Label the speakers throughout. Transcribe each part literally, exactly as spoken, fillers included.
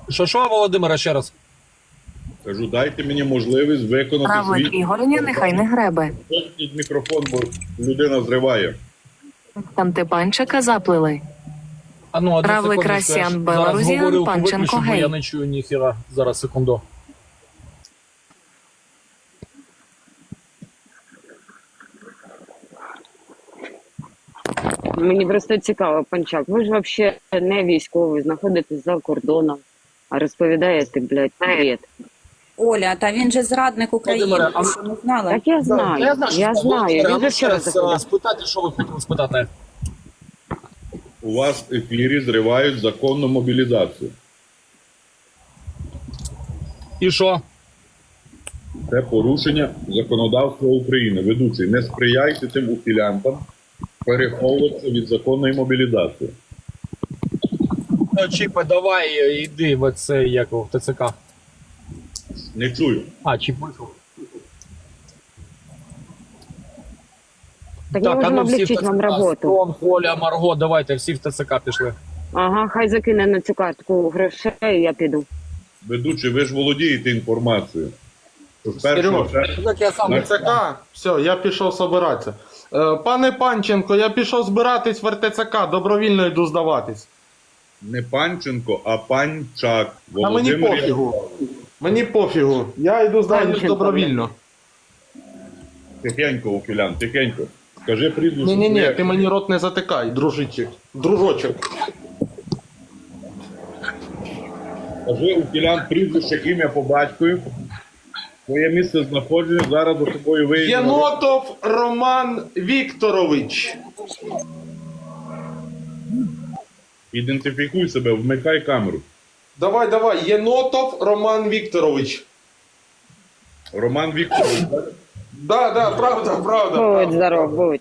Speaker 1: Що, що, Володимире, ще раз?
Speaker 2: Кажу, дайте мені можливість виконати
Speaker 3: Равлик
Speaker 2: свій
Speaker 3: Ігорення нехай не гребе.
Speaker 2: Під мікрофон, бо людина зриває.
Speaker 3: Там те панчика заплили.
Speaker 1: А ну, одну
Speaker 3: Равлик
Speaker 1: секундочку, я ж
Speaker 3: Расіан
Speaker 1: зараз
Speaker 3: Беларусіан,
Speaker 1: говорилку
Speaker 3: Панченко,
Speaker 1: виключу, бо
Speaker 3: гей.
Speaker 1: я не чую ніхіра. Зараз, секунду.
Speaker 4: Мені просто цікаво, Панчак, ви ж взагалі не військовий, знаходитесь за кордоном, а розповідаєте, блядь, привіт.
Speaker 5: Оля, та він же зрадник України,
Speaker 1: Володимире, а-
Speaker 5: ти що не знала?
Speaker 4: Так я знаю, я знаю,
Speaker 1: що Володимире, а
Speaker 4: він
Speaker 1: ну
Speaker 4: же
Speaker 1: ще
Speaker 4: вчора
Speaker 1: раз
Speaker 4: заходив.
Speaker 1: а, спитати, що ви хотіли спитати.
Speaker 2: У вас в ефірі зривають законну мобілізацію.
Speaker 1: І що?
Speaker 2: Це порушення законодавства України. Ведучий, не сприяйте тим ухилянтам переховуватися від законної мобілізації.
Speaker 1: Ну, Чіпе, давай, йди в це, як в ТЦК.
Speaker 2: Не чую.
Speaker 1: А, Чіп вийшов.
Speaker 4: Так, ми можемо облегчити вам роботу.
Speaker 1: Строн, Коля, Марго, давайте, всі в ТЦК пішли.
Speaker 4: Ага, хай закине на цю картку грошей, і я піду.
Speaker 2: Ведучий, ви ж володієте інформацією. Що з першого
Speaker 6: Серьож,
Speaker 2: червня-
Speaker 1: Так я сам.
Speaker 2: На-
Speaker 6: РТЦК, все, я пішов собиратися. Е, Пане Панченко, я пішов збиратись в РТЦК, добровільно йду здаватись.
Speaker 2: Не Панченко, а Панчак.
Speaker 6: А мені
Speaker 2: Володимир
Speaker 6: пофігу. Мені пофігу. Я йду здаватись
Speaker 4: Панченко,
Speaker 6: добровільно.
Speaker 2: Тихенько, ухилян, тихенько. Скажи прізвище.
Speaker 6: Ні, ні, ні,
Speaker 2: своє.
Speaker 6: ти мені рот не затикай, дружичок. Дружочок.
Speaker 2: Скажи, ухилян, прізвище, ім'я по батькові. Твоє місце знаходження зараз за тобою виїде.
Speaker 6: Єнотов Роман Вікторович.
Speaker 2: Ідентифікуй себе, вмикай камеру.
Speaker 6: Давай, давай, Єнотов Роман Вікторович.
Speaker 2: Роман Вікторович. так?
Speaker 6: Да, да, правда, правда.
Speaker 4: Будь
Speaker 6: правда.
Speaker 4: здоров, будь.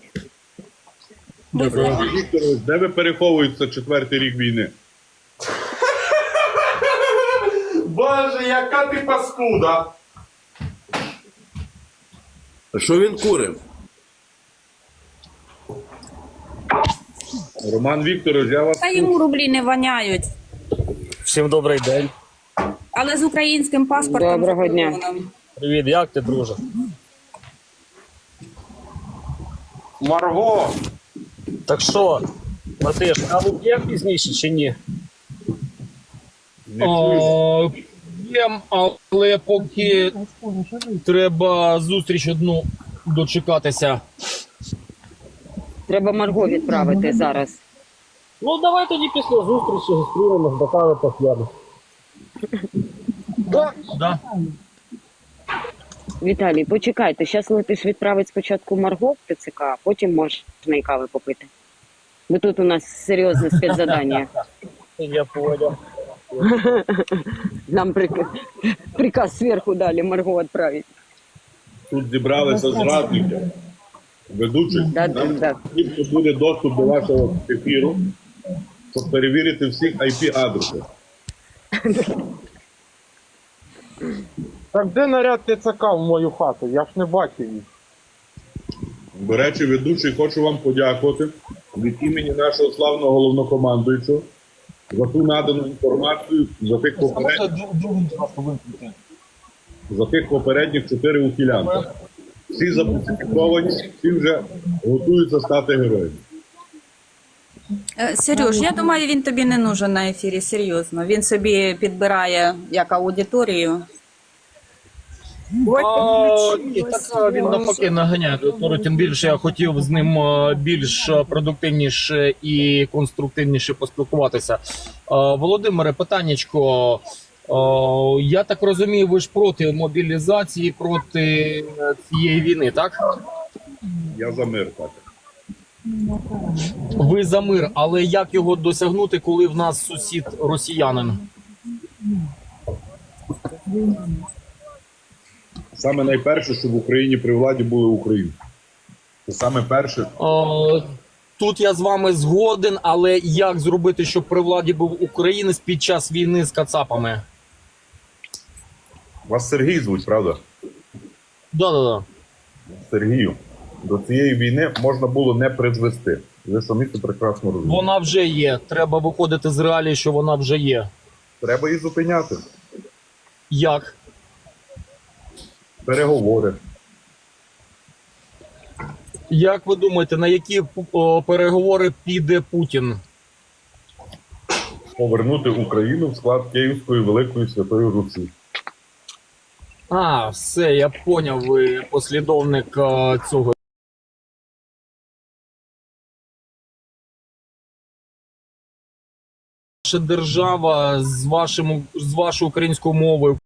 Speaker 2: Роман Вікторович, де ви переховуєтеся четвертий рік війни?
Speaker 6: Боже, яка ти паскуда.
Speaker 7: А що він курив?
Speaker 2: Роман Вікторович, я вас
Speaker 5: Та йому рублі не воняють.
Speaker 1: Всім добрий день.
Speaker 5: Але з українським паспортом.
Speaker 4: Доброго дня.
Speaker 5: закордоном.
Speaker 1: Привіт, як ти, друже?
Speaker 6: Марго.
Speaker 1: Так що, Матиш, каву п'є пізніше чи ні?
Speaker 2: не чую.
Speaker 1: П'єм, але поки треба зустріч одну дочекатися.
Speaker 4: Треба Марго відправити зараз.
Speaker 1: Ну, давай тоді після зустрічі зустрінемось, до кави поп'ємо. Да, да.
Speaker 4: Віталій, почекайте, зараз летиш відправити спочатку Марго в ТЦК, а потім можна і кави попити. Бо тут у нас серйозне спецзадання.
Speaker 1: Я понял.
Speaker 4: Нам прик... приказ зверху дали Марго відправити.
Speaker 2: Тут зібралися зрадники. Ведучий,
Speaker 4: Да,
Speaker 2: нам
Speaker 4: да.
Speaker 2: потрібно буде доступ до вашого ефіру, щоб перевірити всіх ай пі адреси.
Speaker 6: Так де наряд ТЦК в мою хату? Я ж не бачив їх.
Speaker 2: До речі, ведучий, хочу вам подякувати від імені нашого славного головнокомандуючого за ту надану інформацію, за тих попередніх, за тих попередніх чотири ухилянти. Всі започатковані, всі вже готуються стати героями.
Speaker 5: Е, Сереж, я думаю, він тобі не нужен на ефірі, серйозно. Він собі підбирає як аудиторію.
Speaker 1: А, ні, так а, він навпаки наганяє. Тобто, тим більше я хотів з ним а, більш а, продуктивніше і конструктивніше поспілкуватися. А, Володимире, питаннячко. А, я так розумію, ви ж проти мобілізації, проти цієї війни, так?
Speaker 2: Я за мир, так.
Speaker 1: Ви за мир, але як його досягнути, коли в нас сусід росіянин?
Speaker 2: Саме найперше, щоб в Україні при владі були українці. Це саме перше.
Speaker 1: Е, Тут я з вами згоден, але як зробити, щоб при владі був українець під час війни з кацапами?
Speaker 2: Вас Сергій звуть, правда?
Speaker 1: Да-да-да.
Speaker 2: Сергію, до цієї війни можна було не призвести. Ви самі це прекрасно розумієте.
Speaker 1: Вона вже є. Треба виходити з реалії, що вона вже є.
Speaker 2: Треба її зупиняти.
Speaker 1: Як?
Speaker 2: Переговори.
Speaker 1: Як ви думаєте, на які о, переговори піде Путін?
Speaker 2: Повернути Україну в склад Київської Великої Святої Русі.
Speaker 1: А, все, я поняв, ви послідовник е, цього. Ваша держава з вашим з вашою українською мовою